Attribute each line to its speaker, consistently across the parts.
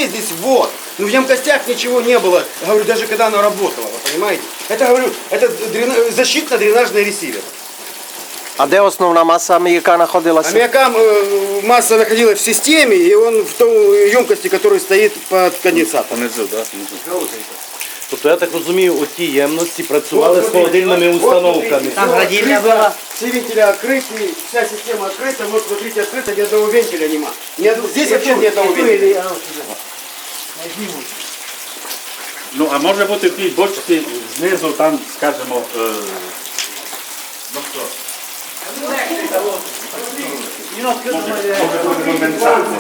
Speaker 1: здесь вот. Но в емкостях ничего не было, говорю, даже когда она работала, вы понимаете? Это, говорю, это защитно-дренажный ресивер.
Speaker 2: А де основна маса аміяка знаходилася?
Speaker 1: Аммиакам масса находилась в системе, и он в той емкости, которая стоит под конденсатором.
Speaker 3: Внизу, да? Внизу.
Speaker 4: Тобто я так розумію, оті ємності працювали з холодильними установками.
Speaker 1: Там градильня была. Все вентили открыты, вся система открыта. Вот смотрите, открыто, ни одного вентиля нема. Здесь вообще ни одного вентиля.
Speaker 3: Ну, а може бути в тій бочці знизу, там, скажімо, ну що? Може бути конденсація.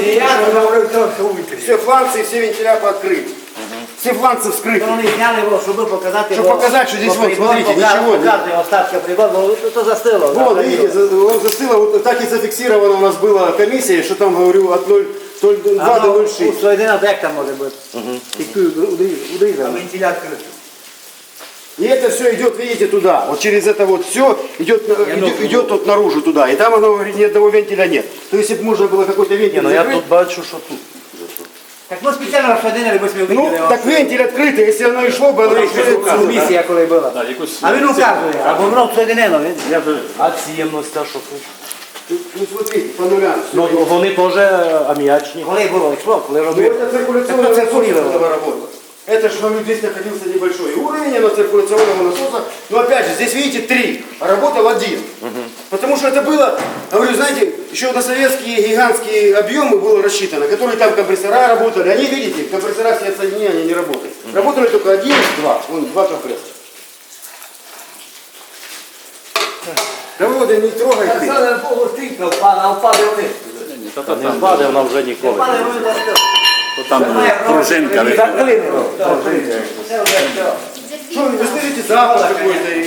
Speaker 1: Все фланцы, все вентиля пооткрыты. Все фланцы вскрыты.
Speaker 5: Вони зняли його, щоб показати.
Speaker 1: Чтобы показать, что здесь вот, смотрите, ничего нет.
Speaker 5: Показує остатки прибору, то застило.
Speaker 1: Вот, видите, он застыло, вот так и зафиксировано у нас была комиссия, что там, говорю, от 0,2 до 0,6.
Speaker 5: Соєдина, як там може бути? Тільки удрізано. Вентиля відкрито.
Speaker 1: И это все идет, видите, туда. Вот через это вот все идет вот наружу туда. И там оно, говорит, ни одного вентиля нет. То есть, если бы можно было какой-то вентиль
Speaker 4: Ну я
Speaker 1: закрыть,
Speaker 4: тут бачу, що тут.
Speaker 5: Так ми спеціально розсадили, бо ми
Speaker 1: ну,
Speaker 5: виділи.
Speaker 1: так вентиль открытый, если оно и шло бы, оно и шло.
Speaker 5: Місія коли була.
Speaker 3: Да, якусь...
Speaker 5: А він указує, або воно соєдинено, він.
Speaker 3: Я вже...
Speaker 4: А ці ємності, що тут?
Speaker 1: Ну, смотрите, по нулям.
Speaker 4: Ну вони теж аміачні.
Speaker 5: Коли було, йшло, коли
Speaker 1: Ну,
Speaker 5: робили.
Speaker 1: это циркуляционный насос этого работал. Это же, говорю, здесь находился небольшой уровень, оно циркуляционного насоса. Но опять же, здесь видите 3, а работал 1. Потому что это было, говорю, знаете, еще на советские гигантские объемы было рассчитано, которые там компрессора работали. Они, видите, компрессора все отсоединения, они не работают. Работали только 1, 2. Вон, 2 компрессора. Да Володя, не трогай ты.
Speaker 5: Це Богу стрійка впала, а впаде вниз.
Speaker 4: Не впаде вона вже ніколи.
Speaker 5: Впаде вниз,
Speaker 3: Там пружинка.
Speaker 5: закрили його.
Speaker 1: Что, вы слышите запах какой-то